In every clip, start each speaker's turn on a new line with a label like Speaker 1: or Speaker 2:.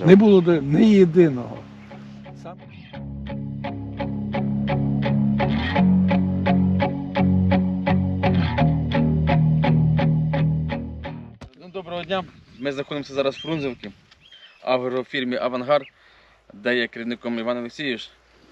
Speaker 1: держав?
Speaker 2: Не було ні єдиного.
Speaker 1: Доброго дня. Ми знаходимося зараз в Фрунзенці, агрофірмі «Авангард», де є керівником Іван Олексійович.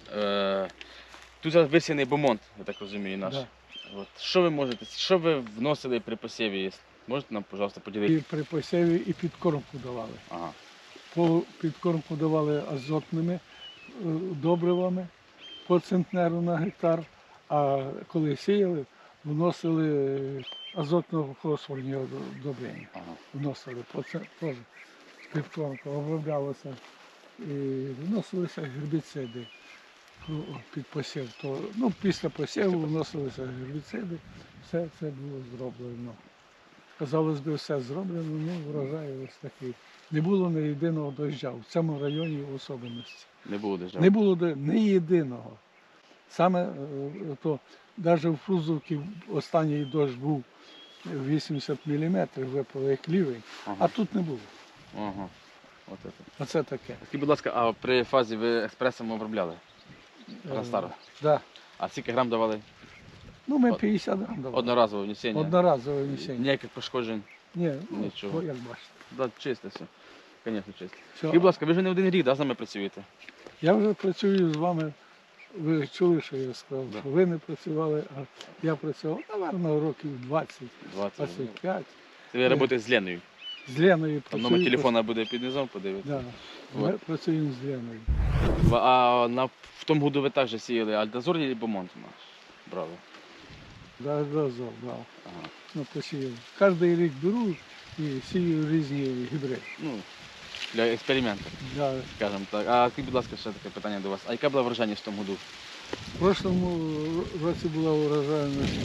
Speaker 1: Тут зараз висіяний бомонд, я так розумію, наш.
Speaker 2: Да.
Speaker 1: От. Що ви вносили при посіві? Можете нам, пожалуйста,
Speaker 2: І
Speaker 1: поділитися?
Speaker 2: при посіві і підкормку давали.
Speaker 1: Ага.
Speaker 2: Підкормку давали азотними добривами по центнеру на гектар, а коли сіяли, вносили азотно-фосфорні добрення.
Speaker 1: Ага.
Speaker 2: Вносили теж підкормка, оброблялося і вносилися гербіциди під посів. Після посіву вносилися гербіциди, все це було зроблено. Казалось би, все зроблено, врожай ось такий. Не було ні єдиного дощу, в цьому районі в особливості.
Speaker 1: Не було держав?
Speaker 2: Не було ні єдиного. Саме то, навіть в Фрунзенці останній дощ був 80 мм, випав як лівий,
Speaker 1: Ага.
Speaker 2: а тут не було.
Speaker 1: Ага. Це.
Speaker 2: Оце таке.
Speaker 1: Скажіть, будь ласка, а при фазі ви експресом обробляли? Растару?
Speaker 2: Да.
Speaker 1: А скільки грам давали?
Speaker 2: Ми 50 грам давали.
Speaker 1: Одноразове внесення?
Speaker 2: Одноразове внесення.
Speaker 1: Ніяких пошкоджень?
Speaker 2: Ні,
Speaker 1: Нічого.
Speaker 2: як бачите.
Speaker 1: Да, чисте все. Звісно, чисте.
Speaker 2: Все.
Speaker 1: Скажіть, будь ласка, ви вже не один рік, да, з нами працюєте?
Speaker 2: Я вже працюю з вами, ви чули, що я сказав,
Speaker 1: Да.
Speaker 2: що ви не працювали, а я працював, напевно, років 20,
Speaker 1: 20.
Speaker 2: 25.
Speaker 1: Це ви працюєте з Леною.
Speaker 2: З Леною
Speaker 1: Там
Speaker 2: працюю.
Speaker 1: номер телефона буде під низом, подивитися.
Speaker 2: Да. Ми працюємо з Леною.
Speaker 1: А в тому году ви також сіяли Альдазор і Бомонт у нас брали?
Speaker 2: Да, разом, да.
Speaker 1: Ага.
Speaker 2: Посіяв. Кожен рік беру і сію різні гібриди.
Speaker 1: Ну, для експерименту,
Speaker 2: Да.
Speaker 1: скажімо так. А скажіть, будь ласка, ще таке питання до вас. А яка була врожайність в тому году?
Speaker 2: В прошлому році була урожайність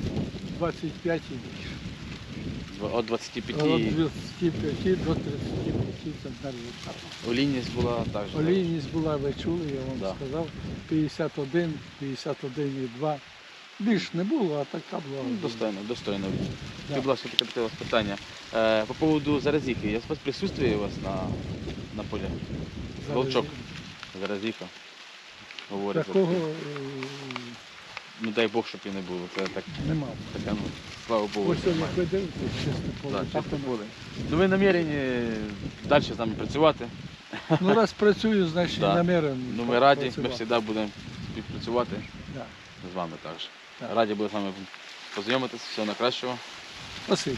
Speaker 2: 25 і більше.
Speaker 1: От 25
Speaker 2: Від 25 до 35 центнерів гектар.
Speaker 1: олійність була також.
Speaker 2: Олійність була, ви чули, я вам
Speaker 1: Да.
Speaker 2: сказав, 51, 51,2. Більш не було, а така була.
Speaker 1: Ну, достойно, достойно.
Speaker 2: Да.
Speaker 1: Скажіть, будь ласка, таке у вас питання. По поводу заразіхи. Я вас присутствую у вас на полі?
Speaker 2: Зараз
Speaker 1: Волчок. Заразіха. Говорять.
Speaker 2: Такого
Speaker 1: Ну дай Бог, щоб і не було. Це так,
Speaker 2: нема.
Speaker 1: така, ну, слава Богу.
Speaker 2: Ось сьогодні
Speaker 1: немає.
Speaker 2: ви дивитесь, чисте поле.
Speaker 1: Так,
Speaker 2: Так
Speaker 1: чисте
Speaker 2: воно.
Speaker 1: поле. Ну ви намірені далі з нами працювати.
Speaker 2: Ну раз працюю, значить
Speaker 1: Да.
Speaker 2: намірен.
Speaker 1: Ну ми раді, ми
Speaker 2: працювати.
Speaker 1: завжди будемо співпрацювати
Speaker 2: Да.
Speaker 1: з вами також.
Speaker 2: Так.
Speaker 1: Раді були з вами познайомитися, всього найкращого.
Speaker 2: Спасибо.